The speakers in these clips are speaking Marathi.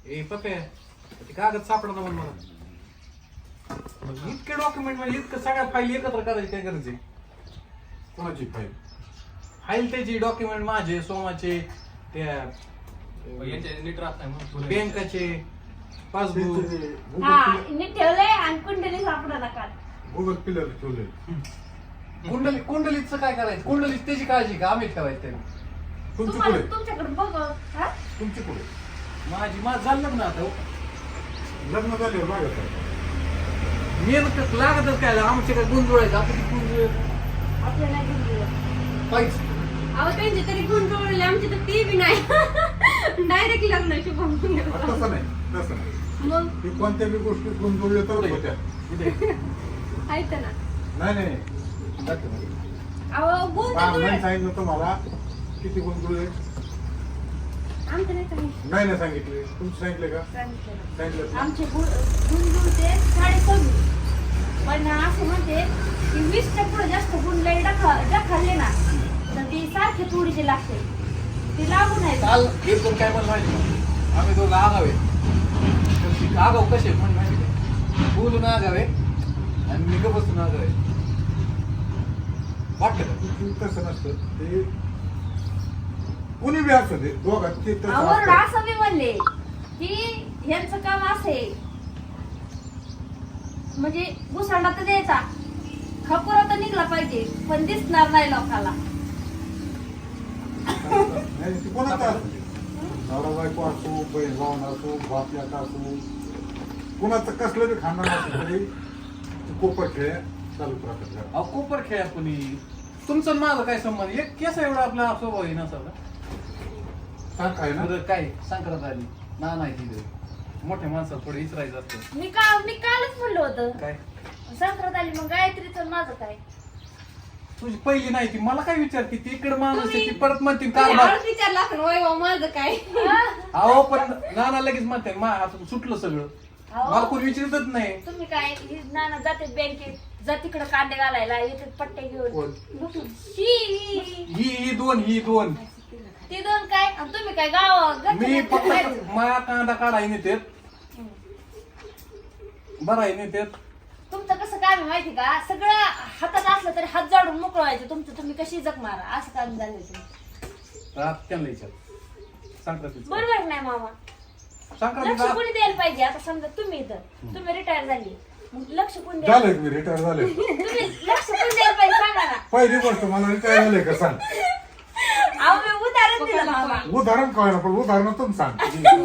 ए पप्या ते कागद सापडा म्हणून मला इतके डॉक्युमेंट म्हणजे इतकं सगळ्या फाईल एकत्र करायची काय गरज आहे? कोणाची फाईल? फाईल त्याची डॉक्युमेंट माझे सोमाचे त्या नीट राहत नाही बँकाचे पासबुक नीट ठेवलंय आणि कुंडली सापडा नका. गुगल पिलर ठेवले. कुंडलीचं काय करायचं? कुंडलीच त्याची काळजी का आम्ही ठेवायचं त्याने? तुमची पुढे तुमच्याकडे बघ. तुमची पुढे माझं झालं ना आता लग्न झाल्यावर मागत मेहनत लागतच काय आमच्याकडे गुण जुळायचं आपण गुण आपल्याला घेऊन गेलं. पाहिजे. अहो त्यांची तरी गुण जुळले आमची तर ती बी नाही. डायरेक्ट लग्न शुभम. तसं नाही तसं नाही. मग ती कोणत्या बी गोष्टीत गुण जोडले तर होत्या. आहेत ना. नाही नाही अहो गुण तर जुळले. नाही सांगितलं तुम्हाला किती गुण जुळले? आमचं नाही काही. नाही सांगितले. तुमचं सांगितले का? सांगितलं. आमचे गुण जुळते 26.5. पण असं म्हणते की 20च्या पुढे जास्त गुण लई खाल्ले ना तर ती सारखे थोडीशी लागते. ती लागू नाही. काल एकदम काय पण माहिती नाही. आम्ही दोघं आगावे आगाव कसे पण माहिती नाही. बोलून आगावे आणि मी का बसून आगावे वाटलं तसं नसतं ते कुणी बी असू दे दोघात ते तसं आवड असतं. असं मी म्हणले की ह्यांचं काम असे म्हणजे घुसांडा तर द्यायचा खपुरा तर निघला पाहिजे पण दिसणार नाही लोकांना. नाही ते कोणाचं असू दे. नवरा बायको असो बहीण भावना असो बापल्याचा असो कुणाचं कसलं बी खाणार असं तरी कोपट खेळ चालूच राहतात घरात. अहो कोपर खेळा कुणी तुमचं आणि माझं काय संबंध एक केस एवढा आपला स्वभाव आहे नसावा सांग काय ना बरं काय संक्रांत आली ना नाही तिथे मोठ्या माणसाला थोडं विचारायचं असतं. मी कालच म्हणलं होतं काय संक्रांत आली मग गायत्रीचं माझं काय. तुझी पहिली नाही ती मला काय विचारते ती इकडे माणूस आहे ती परत म्हणते तुम्ही कारभार. हळूच विचारला असं वय भाऊ माझं काय. अहो पण नाना लगेच म्हणते आता सुटलं सगळं अहो. मला कोणी विचारतच नाही. तुम्ही काय नाना जाते बँकेत जा तिकडे कांदे घालायला येते पट्टे घेऊन कोण? ही दोन ते दोन काय आणि तुम्ही काय गाव मी फक्त माया कांदा काढाय नेते बरं आहे नेते तुमचं कसं काम आहे माहिती का सगळं हातात असलं तरी हात जाडून मोकळं व्हायचं तुमचं तुम्ही कशी जग मारा असं काम झालं तुम्ही. त्यांना विचार संक्रांतीचं बरोबर नाही मामा. लक्ष संक्रांतीचा कोणी द्यायला पाहिजे आता समजा तुम्ही इथं तुम्ही रिटायर झाली मग लक्ष कोणी द्यायला झालं मी रिटायर झाले. तुम्ही लक्ष कोणी द्यायला पाहिजे सांगा ना. पहिली गोष्ट मला रिटायर झालंय का सांग. अहो मी उदाहरण दिलं मामा. उदाहरण कळलं पण उदाहरणातून सांग.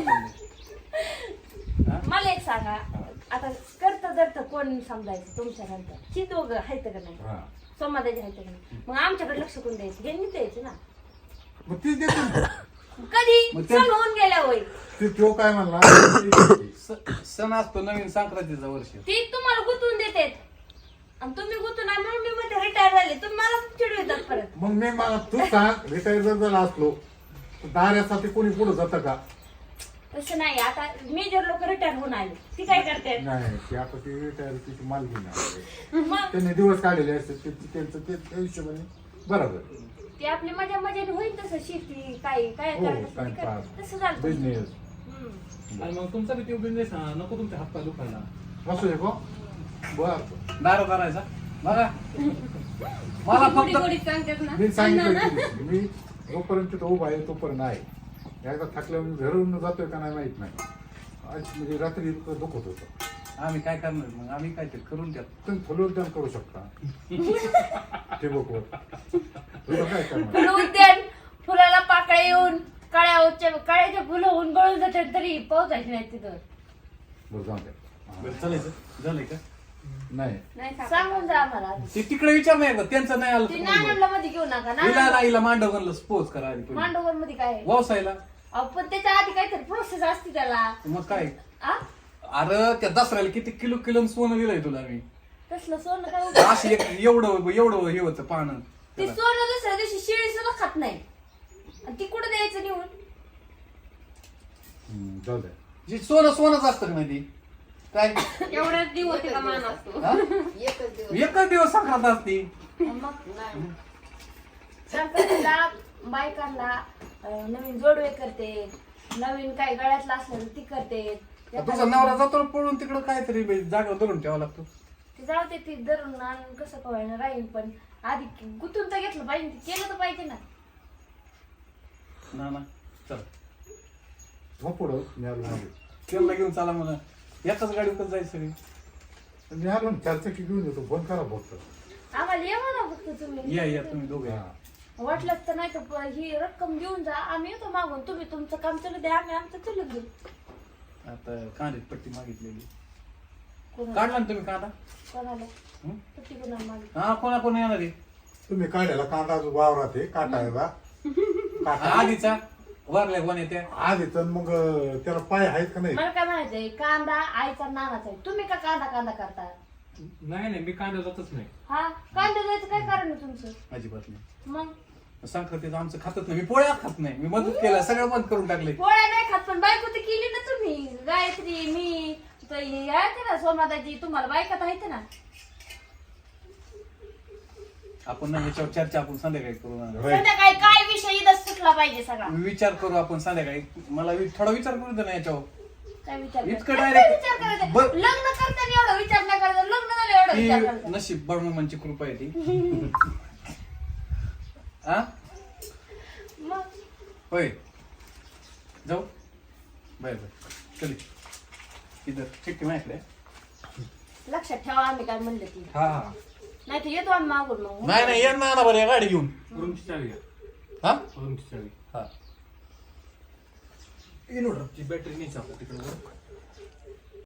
मला एक सांगा आता करत जर कोण समजायचं तुमच्या नंतर ही दोघं आहेत का नाही हा. समाधाची आहेत का नाही मग आमच्याकडे लक्ष कोण द्यायचं हे मी द्यायचं ना. मग तीच देते ना. कधी मग ते- सण होऊन गेल्या होय ते तो काय म्हणला सण असतो नवीन संक्रांतीचा वर्ष ती तुम्हाला गुंतवून देते आणि तुम्ही गुंतून आणि म्हणून मी मध्ये रिटायर झाले तुम्ही मला चिडवितात परत. मग मी मला तू सांग रिटायर जर झाला असलो तर दाऱ्यासाठी कोणी पुढे जातं का? तसं नाही आता मेजर लोक रिटायर होऊन आले ती काय करते नाही ते आता ती रिटायर तिची मालकी नाही मग त्यांनी दिवस काढलेले असते त्यांचं ते त्या हिशोबाने बरोबर. ते आपली मजा मजाने होईल तसं शेती काय काय हो करायचं ते टाइमपास करायचं. तसं झालं बिझनेस हम्म. आणि मग तुमचा बी बिझनेस नको तुमच्या हात पाय दुखायला असू दे गो बर. दारू करायचा बघा मला गोडी फक्त गोडी सांगतात ना. मी सांगितलं की मी जोपर्यंत तिथं उभा आहे तोपर्यंत आहे. एकदा थकल्यावर घरून जातोय का नाही माहित नाही. आज म्हणजे रात्री इतकं दुखत होतं. आम्ही काय करणार मग आम्ही काय ते करून द्या तुम्ही फलोद्यान करू शकता ठिबकवर. तुला काय करणार? फुलं उद्यान फुलाला पाकळ्या येऊन काळ्याच्या फुलं होऊन गळून जातात तरी पावसायची नाही तिथं. बरं जाऊ द्या. बरं चालायचं झालंय का नाही नाही सांगून जा आम्हाला ते तिकडे विचार नाही का त्यांचं नाही आलं ते तर बोलवा. नानांना मध्ये घेऊ नका हिला ना नाईला मांडवगनला स्पोज करा आधी पहिले. मांडोवर मध्ये काय आहे? व्यवसायला अहो, पण त्याच्या आधी काहीतरी प्रोसेस असते त्याला मग काय आ? अरे त्या दसऱ्याला किती किलो सोनं दिलंय तुला मी तसलं सोनं काय उपयोग? असं एवढं हे होतं पानं ते सोनं दुसऱ्या दिवशी शिळी सुद्धा खात नाही आणि ती कुठं द्यायचं निवून. जाऊ द्या. जे सोनच असतं का माहिती काय एवढ्याच दिवस तिला मान असतो. हा? एकच दिवस संक्रांत असती मग संक्रांतीला बायकांना नवीन जोडवे करते नवीन काय गळ्यातलं असलं तर ती करते तुझा नवरा जातो ना पळून तिकडं काहीतरी जागेवर धरून ठेवावं लागतो. ती जाऊ दे ती धरून आणून कसं कवायना राहील पण आधी गुतून तर घेतलं पाहिजे केलं तर पाहिजे ना. ना चल हो पुढं मी आलो मागे. त्याला घेऊन चाला म्हणा एकाच गाडीवर जायचं सगळी. मी आलो ना 4 चाकी घेऊन येतो फोन करा फक्त. आम्हाला ये म्हणा फक्त तुम्ही या तुम्ही दोघे हा. वाटलंच तर नाही तर ही रक्कम घेऊन जा आम्ही येतो मागून तुम्ही तुमचं काम चालू द्या आम्ही आमचं चालू घेऊ. आता कांद्याची पट्टी मागितलेली कोणाला काढला ना तुम्ही कांदा. कोणाला हं? पट्टी कोणाला मागितली? हा कोण येणार आहे तुम्ही काढायला कांदा जो वावरात आहे काटायला काटा आधीचा वारल्या कोण येते आधी तर मग त्याला पाय आहेत का नाही. मला काय म्हणायचंय कांदा आईचा नानाचा आहे तुम्ही का कांदा करता? नाही मी कांदा जातच नाही. हा कांदा जायचं काय कारण आहे तुमचं? अजिबात नाही. मग संक्रांतीचं आमचं खातच नाही. मी पोळ्या खात नाही. मी मदत केला सगळं बंद करून टाकले. पोळ्या नाही खात पण बायको तर केली ना तुम्ही. गायत्री मी तर हे आहेत ना सोमादाजी तुम्हाला बायकात आहेत ना. आपण ना याच्यावर चर्चा आपण संध्याकाळी करू ना. Right. संध्याकाळी काय विषय इथं सुटला पाहिजे सगळा. विचार करू आपण संध्याकाळी. मला थोडा विचार करू दे ना याच्यावर. काय विचार इतकं करायचं? direct- काय विचार करायचं? बर- लग्न करताना एवढा विचार नाही करायचा लग्न झालं एवढा विचार ती करायचा. नशीब बळमुमांची कृपा आहे ती. हा मग होय जाऊ बाय चली इधर चिठ्ठी माहिती लक्षात ठेवा आम्ही काय म्हणलं ती हा नाही तर येतो आम्ही मागून मग. नाही या ना बरं या गाडी घेऊन. रूमची चावी घ्या. हा रूमची चावी. हा इन्व्हर्टरची बॅटरी नाही चालत तिकडे.